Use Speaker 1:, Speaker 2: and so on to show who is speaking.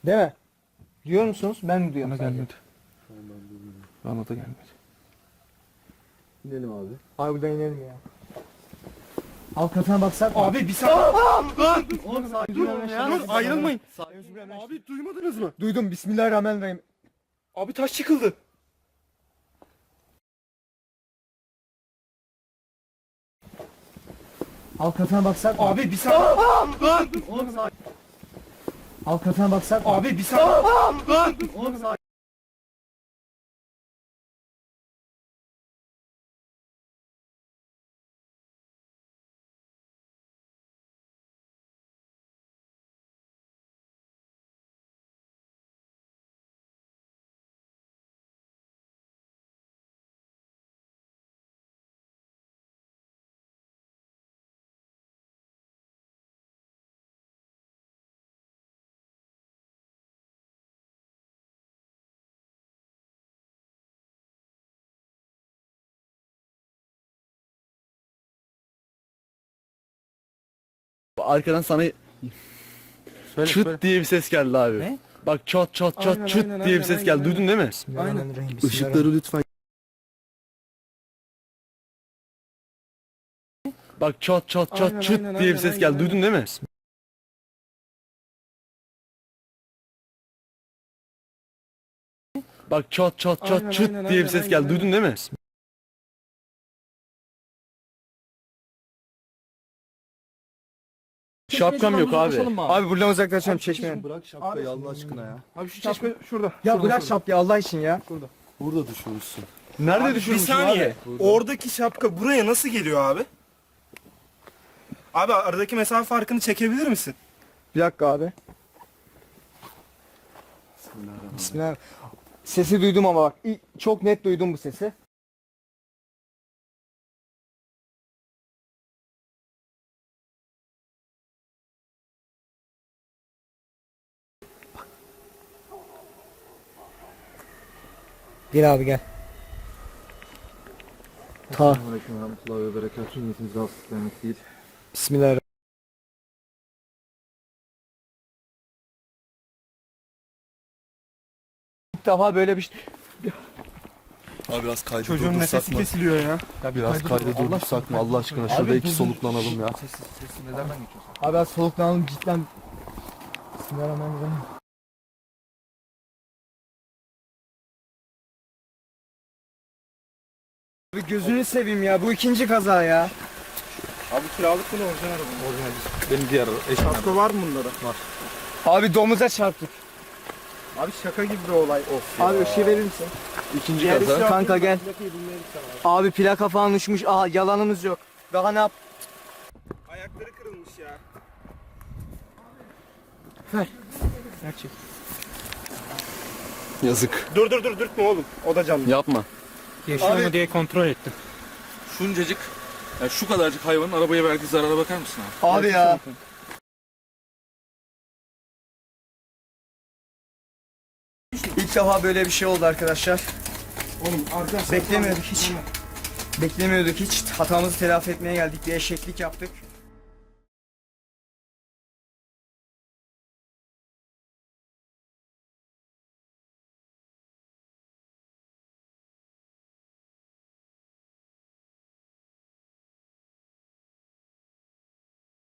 Speaker 1: Değil mi? Duyuyor musunuz? Ben mi duyuyorum
Speaker 2: Bana
Speaker 1: sadece?
Speaker 2: gelmedi. Bana da gelmedi.
Speaker 3: İnelim abi.
Speaker 1: Abi buradan inelim ya. Alt katına baksak mı?
Speaker 2: Abi bir saniye.
Speaker 1: Oğlum sakin
Speaker 2: Dur
Speaker 1: olun
Speaker 2: ya. Dur ayrılmayın.
Speaker 1: Abi
Speaker 2: Abi duymadınız mı?
Speaker 1: duydum. Bismillahirrahmanirrahim.
Speaker 2: Abi taş yıkıldı.
Speaker 1: Alt katına baksak mı?
Speaker 2: Abi bir saniye.
Speaker 1: Oğlum sakin. Alt katına baksak mı?
Speaker 2: Abi bir saniye.
Speaker 1: Oğlum sakin.
Speaker 3: Arkadan sana
Speaker 2: Söyle,
Speaker 3: çıt
Speaker 2: söyle.
Speaker 3: diye bir ses geldi abi.
Speaker 1: Ne?
Speaker 3: Bak çat çat çat
Speaker 2: Aynen,
Speaker 3: çıt
Speaker 2: aynen,
Speaker 3: diye bir
Speaker 2: aynen,
Speaker 3: ses geldi.
Speaker 2: aynen.
Speaker 3: Duydun değil mi?
Speaker 1: Bismillahirrahmanirrahim.
Speaker 3: Işıkları lütfen. Bak çat çat çat
Speaker 2: Aynen,
Speaker 3: çıt
Speaker 2: aynen,
Speaker 3: diye bir
Speaker 2: aynen,
Speaker 3: ses geldi.
Speaker 2: aynen.
Speaker 3: Duydun değil mi? Bak çat çat çat
Speaker 2: Aynen,
Speaker 3: çıt
Speaker 2: aynen,
Speaker 3: diye bir
Speaker 2: aynen,
Speaker 3: ses geldi.
Speaker 2: aynen.
Speaker 3: Duydun değil mi? Şapkam yok abi.
Speaker 1: Abi buradan uzaklaşalım çeşmeye.
Speaker 3: Bırak şapkayı Allah aşkına ya.
Speaker 2: Abi şu çeşme şurada.
Speaker 1: Ya bırak şapkayı Allah için ya.
Speaker 3: Burada düşürürsün. Nerede
Speaker 4: Bir
Speaker 3: düşürmüşsün
Speaker 4: saniye.
Speaker 3: abi?
Speaker 4: Oradaki şapka buraya nasıl geliyor abi? Abi aradaki mesafe farkını çekebilir misin?
Speaker 1: Bir dakika abi. Bismillah. Sesi duydum ama bak. Çok net duydum bu sesi. Gel abi gel. Ta.
Speaker 3: Aleyküm ve rahmetullahi ve berekatuhu. Niyetimiz rahatsız vermek değil.
Speaker 1: Bismillahirrahmanirrahim. İlk defa böyle bir şey.
Speaker 3: Abi biraz kaydı
Speaker 2: Çocuğun
Speaker 3: durdursak
Speaker 2: nefesi
Speaker 3: mı?
Speaker 2: kesiliyor ya.
Speaker 3: Biraz kaydı durdursak mı Allah aşkına? Şurada iki soluklanalım ya.
Speaker 1: Abi az soluklanalım cidden. Bismillahirrahmanirrahim. Abi gözünü seveyim ya bu ikinci kaza ya.
Speaker 4: Abi kiralık mı orijinal araba mı?
Speaker 3: Benim diğer eşim.
Speaker 4: Kasko var mı bunlara? Var.
Speaker 1: Abi domuza çarptık.
Speaker 4: Abi şaka gibi bir olay. Of
Speaker 1: Abi ışığı verir misin?
Speaker 3: İkinci kaza.
Speaker 1: Kanka gel. Abi plaka falan uçmuş. Aha yalanımız yok. Daha ne yap?
Speaker 4: Ayakları kırılmış ya.
Speaker 1: Gerçek.
Speaker 3: Yazık.
Speaker 4: Dur dürtme oğlum. O da canlı.
Speaker 3: Yapma.
Speaker 2: Yaşıyor mu diye kontrol ettim.
Speaker 5: Şuncacık, yani şu kadarcık hayvanın arabaya verdiği zarara bakar mısın abi?
Speaker 1: Abi ya. İlk defa böyle bir şey oldu arkadaşlar.
Speaker 4: Oğlum arkadaşlar.
Speaker 1: Beklemiyorduk hiç. Beklemiyorduk hiç. Hatamızı telafi etmeye geldik. Bir eşeklik yaptık.